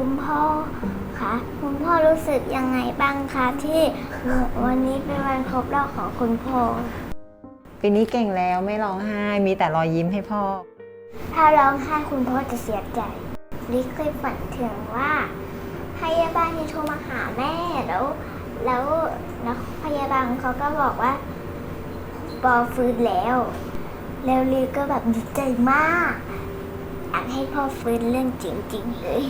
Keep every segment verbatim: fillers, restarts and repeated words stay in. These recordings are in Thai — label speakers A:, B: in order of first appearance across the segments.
A: คุณพ่อคะคุณพ่อรู้สึกยังไงบ้างคะที่วันนี้เป็นวันครบรอบของคุณพ่อ
B: ปีนี้เก่งแล้วไม่ร้องไห้มีแต่รอยยิ้มให้พ่อ
A: ถ้าร้องไห้คุณพ่อจะเสียใจลิเคยฝันถึงว่าพยาบาลโทรมาหาแม่แล้วแล้วแล้วพยาบาลเขาก็บอกว่าปอฟื้นแล้วแล้วลิก็แบบดีใจมากอยากให้พ่อฟื้นเรื่องจริงๆเลย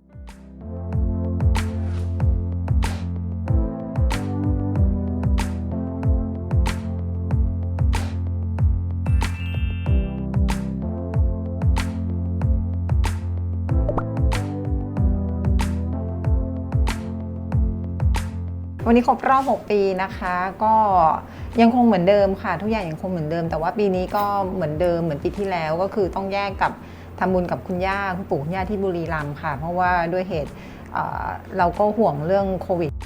B: วันนี้ครบรอบหกปีนะคะก็ยังคงเหมือนเดิมค่ะทุกอย่างยังคงเหมือนเดิมแต่ว่าปีนี้ก็เหมือนเดิมเหมือนปีที่แล้วก็คือต้องแยกกับทำบุญกับคุณย่าคุณปู่คุณย่าที่บุรีรัมย์ค่ะเพราะว่าด้วยเหตุเอ่อเราก็ห่วงเรื่องโควิด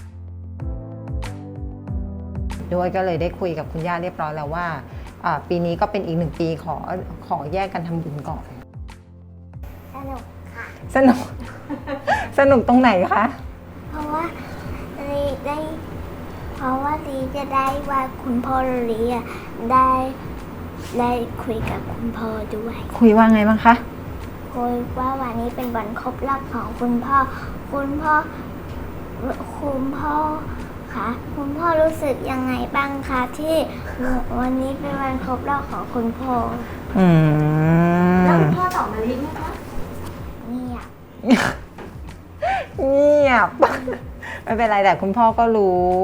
B: ด้วยก็เลยได้คุยกับคุณย่าเรียบร้อยแล้วว่าปีนี้ก็เป็นอีกหนึ่งปีขอขอแยกกันทำบุญก่อน
A: สนุกค่ะ
B: สนุกสนุกตรงไหนคะ
A: เพราะว่าลีได้เพราะว่าลีจะได้ว่าคุณพ่อลีได้ได้คุยกับคุณพ่อด้วย
B: คุยว่าไงบ้างคะ
A: คุยว่าวันนี้เป็นวันครบรอบของคุณพ่อคุณพ่อคุณพ่อคะคุณพ่อรู้สึกยังไงบ้างคะที่วันนี้เป็นวันครบรอบของคุณพ่อ
B: อืม
C: แล้วคุณพ่อตอบมาลิไหมคะ
A: เงียบ
B: เงียบไม่เป็นไรแต่คุณพ่อก็รู้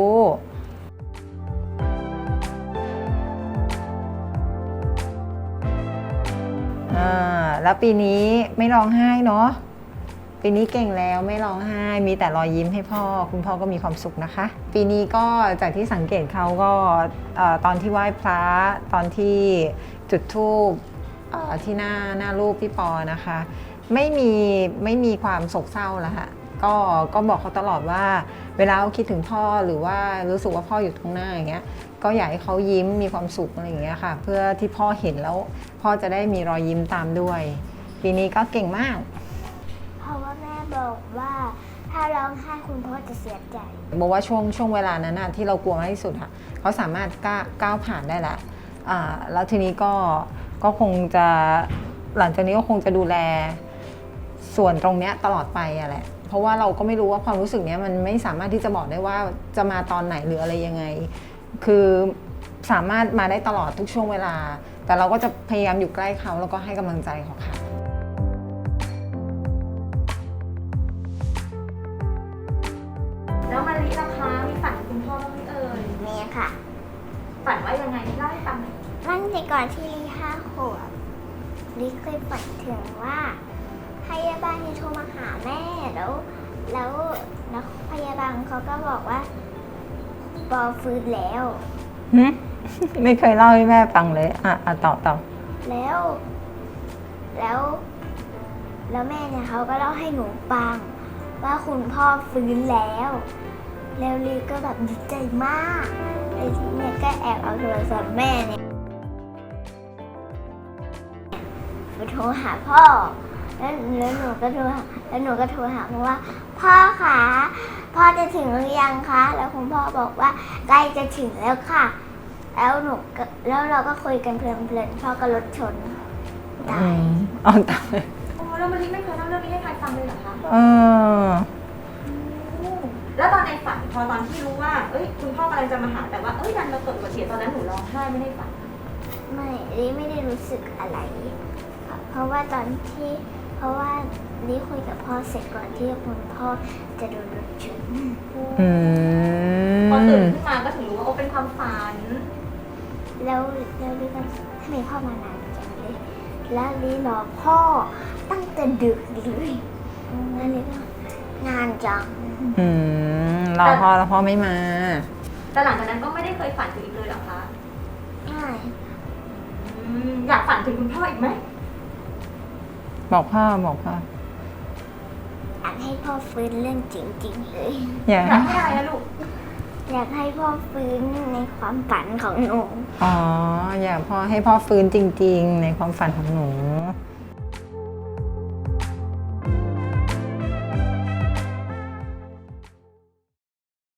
B: อ่าแล้วปีนี้ไม่ร้องไห้เนาะปีนี้เก่งแล้วไม่ร้องไห้มีแต่รอยยิ้มให้พ่อคุณพ่อก็มีความสุขนะคะปีนี้ก็จากที่สังเกตเขาก็ตอนที่ไหว้พระตอนที่จุดธูปที่หน้าหน้ารูปพี่ปอนะคะไม่มีไม่มีความโศกเศร้าแล้วค่ะก็ก็บอกเขาตลอดว่าเวลาเขาคิดถึงพ่อหรือว่ารู้สึกว่าพ่ออยู่ตรงหน้าอย่างเงี้ยก็อยากให้เขายิ้มมีความสุขอะไรอย่างเงี้ยค่ะเพื่อที่พ่อเห็นแล้วพ่อจะได้มีรอยยิ้มตามด้วยปีนี้ก็เก่งมาก
A: เพราะว่าแม่บอกว่าถ้าร้องไห้คุณพ่อจะเสียใจ
B: บอกว่าช่วงช่วงเวลานั้นนะที่เรากลัวมากที่สุดค่ะเขาสามารถก้าวผ่านได้แล้วอ่าแล้วทีนี้ก็ก็คงจะหลังจากนี้ก็คงจะดูแลส่วนตรงเนี้ยตลอดไปอะแหละเพราะว่าเราก็ไม่รู้ว่าความรู้สึกนี้มันไม่สามารถที่จะบอกได้ว่าจะมาตอนไหนหรืออะไรยังไงคือสามารถมาได้ตลอดทุกช่วงเวลาแต่เราก็จะพยายามอยู่ใกล้เขาแล้วก็ให้กำลังใจเขาค่ะ
C: แล้วมาลิล่ะคะมีฝันคุณพ่อบ้างไหมเอ่ย
A: มีค่ะ
C: ฝันว่ายังไงเล่าให้ฟังหน่อย
A: ตั้งแต่ก่อนที่ลิห้าขวบลิเคยฝันถึงว่าพยาบาลโทรมาหาแม่แล้วแล้วแล้วพยาบาลเขาก็บอกว่าปอฟื้นแล้ว
B: ไม่เคยเล่าให้แม่ฟังเลยอ่ะอ่ะต่อต่อ
A: แล้วแล้วแล้วแม่เนี่ยเขาก็เล่าให้หนูฟังว่าคุณพ่อฟื้นแล้วแล้วลีก็แบบดีใจมากไอ้ทีเนี่ยก็แอบเอาโทรศัพท์แม่เนี่ยไปโทรหาพ่อแล้วแล้วหนูก็โทรแล้วหนูก็โทรหาเพราะว่าพ่อคะพ่อจะถึงหรือยังคะแล้วคุณพ่อบอกว่าใกล้จะถึงแล้วค่ะแล้วหนูแล้วเราก็คุยกันเพลินๆพ่อก็รถชนตาย
B: อ๋อตาย
C: โอ้แล้วมันนี่ไม่เคยเล่าเรื่องนี้ให้ใครฟังเลยเหรอคะ
B: เออ
C: แล้วตอนในฝันพอตอนที่รู้ว่าเอ้ยคุณพ่อกำลังจะมาหาแต่ว่าเอ้ยดันมาเกิดอุบัติเหตุตอนนั้นหนูร้องไห้ไม่ได้ฝัน
A: ไม่ลิไม่ได้รู้สึกอะไรเพราะว่าตอนที่เพราะว่าลิคุยกับพ่อเสร็จก่อนที่คุณพ่อจะโดนรถชน
C: พอตื่นขึ้นมาก็ถึงรู้ว่าโอ้เป็นความฝัน
A: แล้วแล้วลิก็ทำไมพ่อมานานจังเลยแล้วลิรอพ่อตั้งแต่ดึกเลยแล้วลิก็งานจัง
B: อืมรอพ่อแล้วพ่อไม่มา
C: แต่หลังจากนั้นก็ไม่ได้เคยฝันถึงอีกเลยหรอคะ
A: ไม่
C: อยากฝันถึงคุณพ่ออีกไหม
B: บอกพ่อบอกพ่อ
A: อยากให้พ่อฟื้นเรื่องจริงๆเลย
B: อยาก
C: ให้อะไรนะลูก
A: อยากให้พ่อฟื้นในความฝันของหนู
B: อ๋ออยากพ่อให้พ่อฟื้นจริงๆในความฝันของหนู